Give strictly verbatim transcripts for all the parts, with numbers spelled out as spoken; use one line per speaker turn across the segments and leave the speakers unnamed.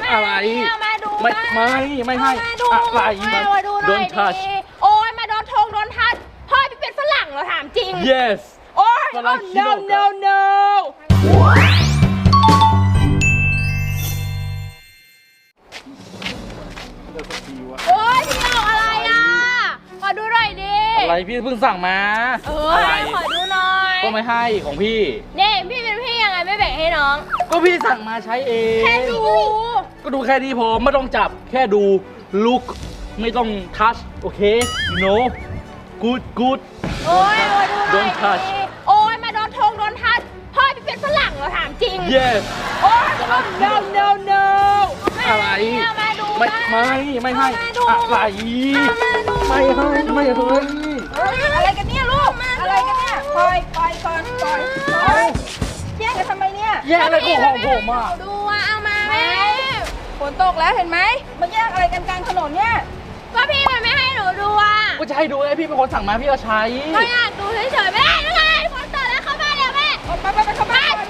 อะไร
มาดู
ไม่ไม่ไม่ให้อะไร
มาดูหน่อยดิโอ้ยมาโดนทงโดนทัดพ่อพี่เป็นฝรั่งเหรอถามจริง
yes
โอ้ย no no no โอ้ยพี่ออกอะไรอ่ะขอดูหน่อยดิ
อะไรพี่เพิ่งสั่งมา
เออขอดูหน่อย
ก็ไม่ให้ของพี่
นี่พี่เป็นพี่ยังไงไม่แบ่งให้น้อง
ก็พี่สั่งมาใช้เอง
แค่ดู
ก็ดูแค่นี้พอไม่ต้องจับแค่ดูลุกไม่ต้องทัชโอเค you know good good
โอ้ยมาดูหน่อย
don't touch
โอ้ยมาโดนทงโดนทัดพ่อพี่เป็นฝรั่งเหรอถามจริง
yes
โอ้ย no no no
อะไร
มาดู
ไม่ไม่ไม่ให้อะไรไม่ให้ไม่ให้
อะไรกันเนี่ยลูกอะไรกันเนี่ยปล่อยปล่อยก่อนปล่อยแย่งกันทำไมเนี่ย
แย่งอะไรของผมอ่ะ
ดูว่าเอามาแม่ฝนตกแล้วเห็นไหมมาแย่งอะไรกันกลางถนนเนี่ยก็พี่มันไม่ให้หนูดูอ่ะ
ก็จะให้ดูไอ้พี่เป็นคนสั่งมาพี่ก็ใช้
ก็อยากดูเฉยๆไม่ได้ยังไงฝนตกแล้วเข้าบ้านแล้วแม่ไปไปไปเข้าบ้าน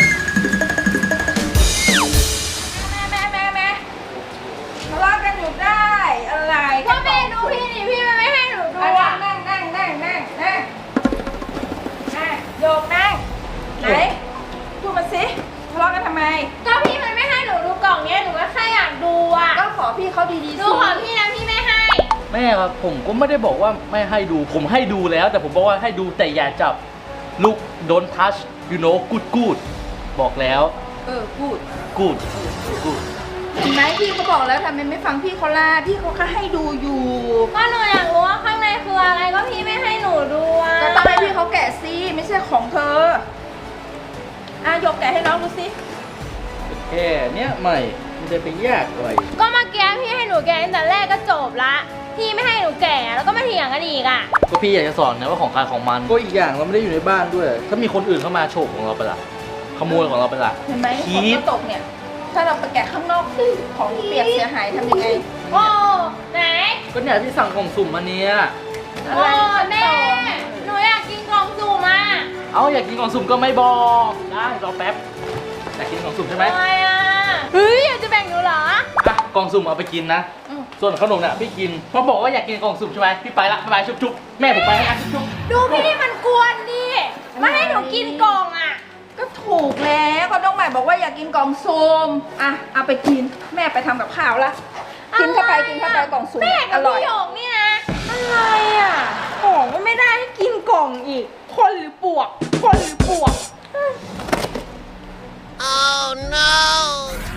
แม่แม่แม่แม่ทะเลาะกันอยู่ได้อะไรก็แม่ดูพี่ดิพี่มันไม่ให้หนูดูอ่ะนั่งนั่งนั่งนั่งนั่งนั่งโยกนั่งไหนพูดมาสิทะเลาะกันทำไมก็พี่มันไม่ให้หนูดูกล่องเนี้ยหนูก็แค่อยากดูอ่ะก็ขอพี่เขาดีๆดูขอพี่นะพี่ไม่ให้
แม่ครับผมก็ไม่ได้บอกว่าไม่ให้ดูผมให้ดูแล้วแต่ผมบอกว่าให้ดูแต่อย่าจับลูก don't touch you know good good บอกแล้ว
เออ good
good good
เห็นไหมพี่เขาบอกแล้วทำไมไม่ฟังพี่เขาล่ะพี่เขาแค่ให้ดูอยู่ก็หนูอยากรู้ว่าข้างในคืออะไรก็พี่ไม่ให้หนูดูอ่ะก็ต้องให้พี่เขาแกะซิไม่ใช่ของเธออ่ะยกแกะให้น้องดูสิ
แค่เนี้ยใหม่มันจะไปยากเลย
ก็มาแกะพี่ให้หนูแกะตั้งแต่แรกก็จบละพี่ไม่ให้หนูแกะแล้วก็มาเถียงกันอีกอ่ะ
ก็พี่อยากจะสอนนะว่าของใครของมันก็อีกอย่างเราไม่ได้อยู่ในบ้านด้วยถ้ามีคนอื่นเข้ามาโฉกของเราไปละขโมยของเราไปละ
เห็นไหมฝนก็ตกเนี่ยถ้าเราไปแกะข้างนอกของเปียกเสียหายทำยังไงโอ้ไหน
ก็เนี่ยพี่สั่งกล่องสุ่มมาเนี้ย
โอ้แม่หนูอยากกินกล่องสุ่มอ่ะ
เอาอยากกินกล่องสุ่มก็ไม่บอกได้รอแป๊บอยากกินกล่องสุ่มใช่ไหม
ไม่อ่ะเฮ้ยอยากจะแบ่งหนูเหรอ
อ่ะกล่องสุ่มเอาไปกินนะส่วนขนมเนี่ยพี่กินเพราะบอกว่าอยากกินกล่องสุ่มใช่ไหมพี่ไปละไปชุบชุบแม่ผมไปแล้วชุบชุบ
ดูพี่มันกวนดิมาให้หนูกินกล่องอ่ะก็ถูกแล้วก็น้องใหม่บอกว่าอยากกินกล่องสุ่มอ่ะเอาไปกินแม่ไปทำกับข้าวละกินเข้าไปกินเข้าไปกล่องสุ่มอร่อยพี่หยกนี่นะอะไรอ่ะของก็ไม่ได้ให้กินกล่องอีกคนหรือปวกคนหรือปวก
Oh no